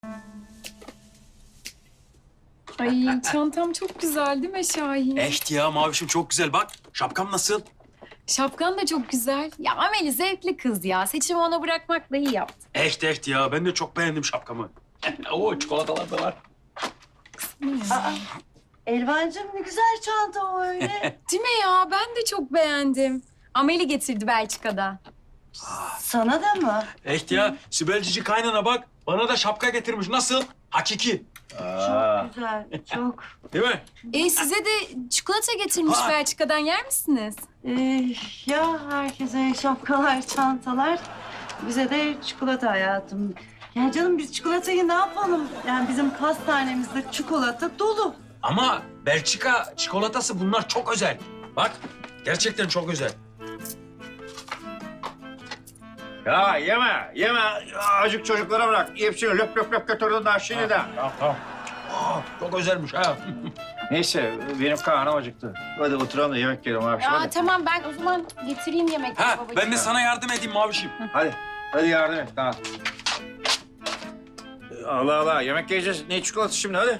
Ay çantam çok güzel değil mi Şahin? Echt ya Mavişim çok güzel bak. Şapkam nasıl? Şapkan da çok güzel. Ya Ameli zevkli kız ya. Seçimi ona bırakmakla iyi yaptın. Echt ya ben de çok beğendim şapkamı. Oo çikolatalar da var. Elvancığım ne güzel çanta o öyle. Değil mi ya? Ben de çok beğendim. Ameli getirdi Belçika'dan. Sana da mı? Echt ya Sibel Cici kaynana bak. Bana da şapka getirmiş. Nasıl? Hakiki. Çok güzel, çok. Değil mi? Size de çikolata getirmiş Ha. Belçika'dan. Yer misiniz? Ya herkese şapkalar, çantalar. Bize de çikolata hayatım. Ya canım biz çikolatayı ne yapalım? Yani bizim pastanemizde çikolata dolu. Ama Belçika çikolatası bunlar çok özel. Bak gerçekten çok özel. Ya yeme. Acık çocuklara bırak. Hepsini löp löp löp götürdün daha şimdi de. Tamam. Çok özelmiş ha. Neyse benim karnım acıktı. Hadi oturalım da yemek yiyelim abi. Aa, Hadi. tamam ben o zaman getireyim yemekleri Ha babacığım. ben de sana yardım edeyim Mavişim. Hadi yardım et. Tamam. Allah Allah yemek yiyeceğiz. Ne çikolatası şimdi hadi.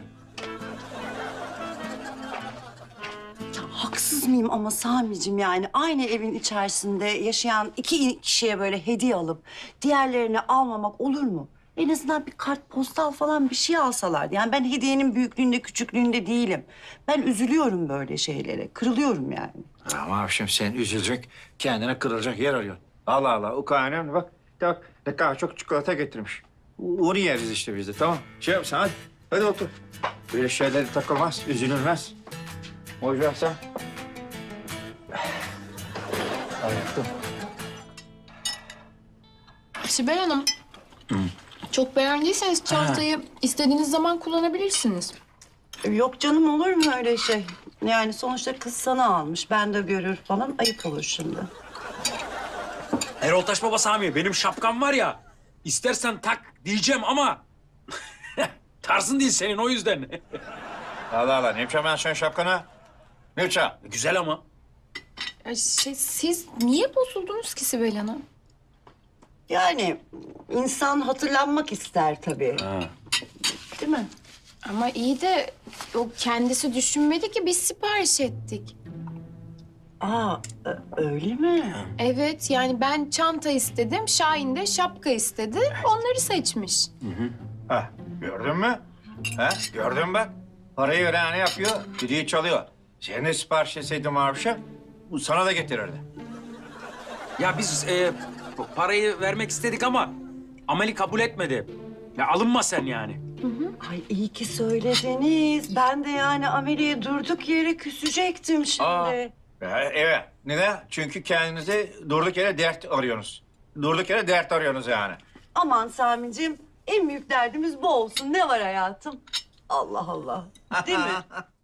Ya haksız mıyım ama Sami'cim yani aynı evin içerisinde yaşayan iki kişiye böyle hediye alıp diğerlerini almamak olur mu? En azından bir kartpostal falan bir şey alsalardı. Yani ben hediyenin büyüklüğünde küçüklüğünde değilim. Ben üzülüyorum böyle şeylere. Kırılıyorum yani. Ama abi şimdi sen üzülecek, kendine kırılacak yer arıyorsun. Allah Allah o kadar önemli bak. Bak ne kadar çok çikolata getirmiş. Onu yeriz işte biz de tamam. Şey yap sen hadi. Hadi otur. Böyle şeylere takılmaz, üzülülmez. O yüzden sen... Ayakta. Sibel Hanım. Çok beğendiyseniz çantayı istediğiniz zaman kullanabilirsiniz. Yok canım olur mu öyle şey? Yani sonuçta kız sana almış. Ben de görür falan ayıp olur şimdi. Erol Taş Baba Sami benim şapkam var ya. İstersen tak diyeceğim ama tarzın değil senin o yüzden. Allah Allah ne yapacağım ben senin şapkana? Ne yapacağım? Güzel ama. Siz niye bozuldunuz ki Sibel Hanım? Yani insan hatırlanmak ister tabii. Değil mi? Ama iyi de o kendisi düşünmedi ki biz sipariş ettik. Aa öyle mi? Evet yani ben çanta istedim, Şahin de şapka istedi. Onları seçmiş. Ha, gördün mü? Ha, gördün mü bak? Parayı veren ne yapıyor? Düdüğü çalıyor. Sen de sipariş etseydin Maviş'e, bu sana da getirirdi. Ya biz parayı vermek istedik ama Ameli kabul etmedi. Ya alınma sen yani. Ay iyi ki söylediniz. Ben de yani Amelie'ye durduk yere küsecektim şimdi. Aa. Evet. Neden? Çünkü kendinize durduk yere dert arıyorsunuz. Durduk yere dert arıyorsunuz yani. Aman Sami'ciğim en büyük derdimiz bu olsun. Ne var hayatım? Allah Allah. Değil mi?